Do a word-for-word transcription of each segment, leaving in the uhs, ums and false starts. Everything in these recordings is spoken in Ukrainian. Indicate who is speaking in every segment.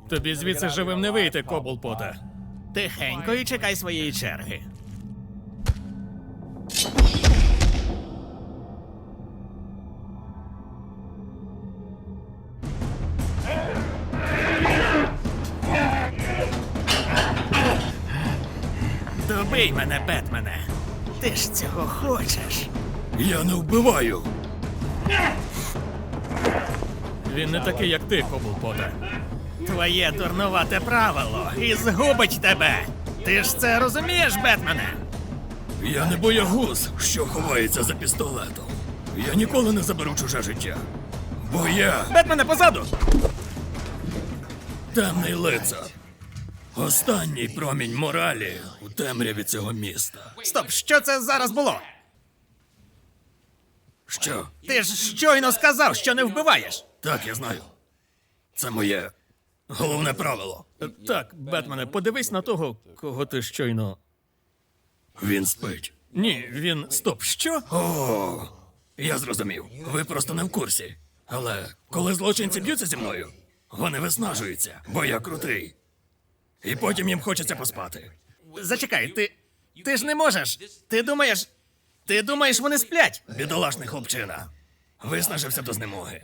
Speaker 1: Тобі звідси живим не вийти, Коблпоте.
Speaker 2: Тихенько і чекай своєї черги. Добий мене, Бетмене. Ти ж цього хочеш.
Speaker 1: Я не вбиваю. Він не такий, як ти, Коблпоте.
Speaker 2: Твоє дурнувате правило і згубить тебе. Ти ж це розумієш, Бетмене?
Speaker 1: Я не боягуз, що ховається за пістолетом. Я ніколи не заберу чуже життя. Бо я
Speaker 2: Бетмене, позаду!
Speaker 1: темний лицар. Останній промінь моралі у темряві цього міста.
Speaker 2: Стоп, що це зараз було?
Speaker 1: Що?
Speaker 2: Ти ж щойно сказав, що не вбиваєш.
Speaker 1: Так, я знаю. Це моє головне правило. Так, Бетмене, подивись на того, кого ти щойно. Він спить. Ні, він. Стоп, що? О, я зрозумів. Ви просто не в курсі. Але коли злочинці б'ються зі мною, вони виснажуються, бо я крутий. І потім їм хочеться поспати.
Speaker 2: Зачекай, ти. Ти ж не можеш. Ти думаєш. Ти думаєш, вони сплять?
Speaker 1: Бідолашний хлопчина. Виснажився до знемоги.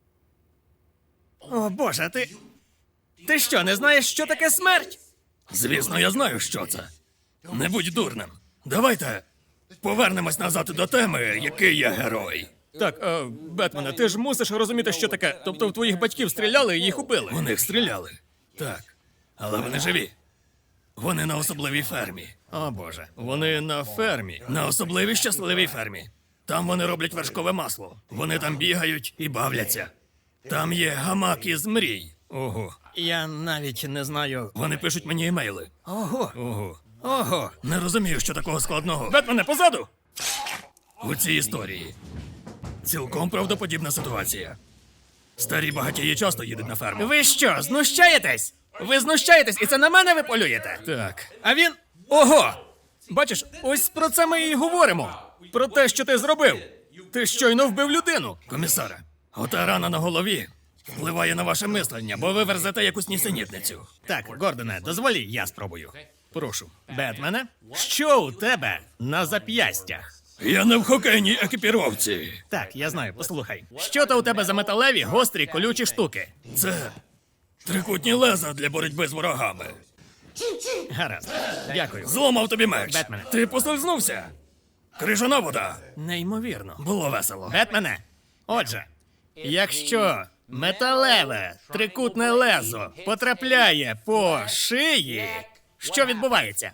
Speaker 2: О, Боже, ти. Ти що, не знаєш, що таке смерть?
Speaker 1: Звісно, я знаю, що це. Не будь дурним. Давайте повернемось назад до теми, який я герой. Так, е, Бетмене, ти ж мусиш розуміти, що таке. Тобто в твоїх батьків стріляли і їх убили. У них стріляли. Так. Але вони живі. Вони на особливій фермі.
Speaker 2: О, Боже.
Speaker 1: Вони на фермі. На особливій щасливій фермі. Там вони роблять вершкове масло. Вони там бігають і бавляться. Там є гамак із мрій. Ого.
Speaker 2: Я навіть не знаю.
Speaker 1: Вони пишуть мені емейли.
Speaker 2: Ого.
Speaker 1: Ого.
Speaker 2: Ого.
Speaker 1: Не розумію, що такого складного. Бетмене, позаду! У цій історії цілком правдоподібна ситуація. Старі багатії часто їдуть на ферму.
Speaker 2: Ви що, знущаєтесь? Ви знущаєтесь, і це на мене ви полюєте?
Speaker 1: Так.
Speaker 2: А він. Ого!
Speaker 1: Бачиш, ось про це ми і говоримо. Про те, що ти зробив. Ти щойно вбив людину. Комісаре, ота рана на голові впливає на ваше мислення, бо ви верзете якусь нісенітницю.
Speaker 2: Так, Гордоне, дозволі, я спробую.
Speaker 1: Прошу.
Speaker 2: Бетмене, що у тебе на зап'ястях?
Speaker 1: Я не в хокейній екіпіровці.
Speaker 2: Так, я знаю, послухай. Що то у тебе за металеві, гострі, колючі штуки?
Speaker 1: Це трикутні леза для боротьби з ворогами.
Speaker 2: Гаразд. Дякую.
Speaker 1: Зламав тобі меч.
Speaker 2: Бетмене.
Speaker 1: Ти послизнувся. Крижана вода.
Speaker 2: Неймовірно.
Speaker 1: Було весело.
Speaker 2: Бетмене, отже, якщо металеве трикутне лезо потрапляє по шиї, що відбувається?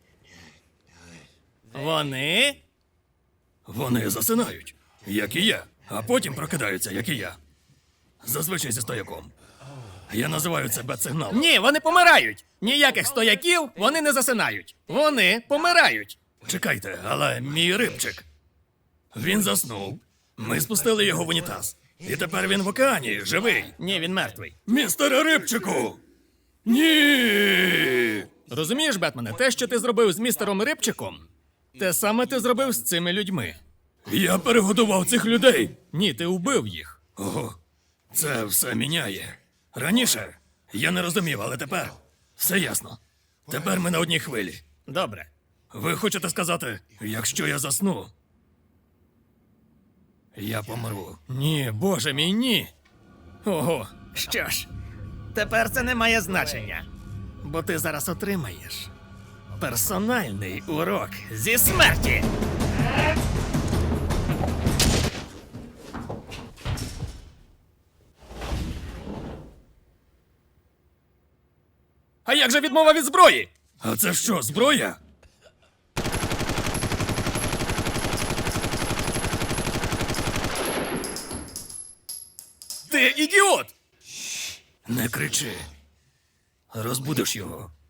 Speaker 2: Вони.
Speaker 1: Вони засинають, як і я, а потім прокидаються, як і я. Зазвичай зі стояком. Я називаю це бет-сигналом.
Speaker 2: Ні, вони помирають. Ніяких стояків вони не засинають. Вони помирають.
Speaker 1: Чекайте, але мій рибчик. Він заснув. Ми спустили його в унітаз. І тепер він в океані, живий.
Speaker 2: Ні, він мертвий.
Speaker 1: Містере Рибчику! Ні!
Speaker 2: Розумієш, Бетмене, те, що ти зробив з містером Рибчиком, те саме ти зробив з цими людьми.
Speaker 1: Я перегодував цих людей.
Speaker 2: Ні, ти убив їх.
Speaker 1: Ого, це все міняє. Раніше я не розумів, але тепер все ясно. Тепер ми на одній хвилі.
Speaker 2: Добре.
Speaker 1: Ви хочете сказати, якщо я засну, я помру?
Speaker 2: Ні, боже мій, ні. Ого. Що ж, тепер це не має значення. Бо ти зараз отримаєш персональний урок зі смерті.
Speaker 1: А як же відмова від зброї? А це що, зброя?
Speaker 2: Ти ідіот!
Speaker 1: Не кричи. Розбудиш його.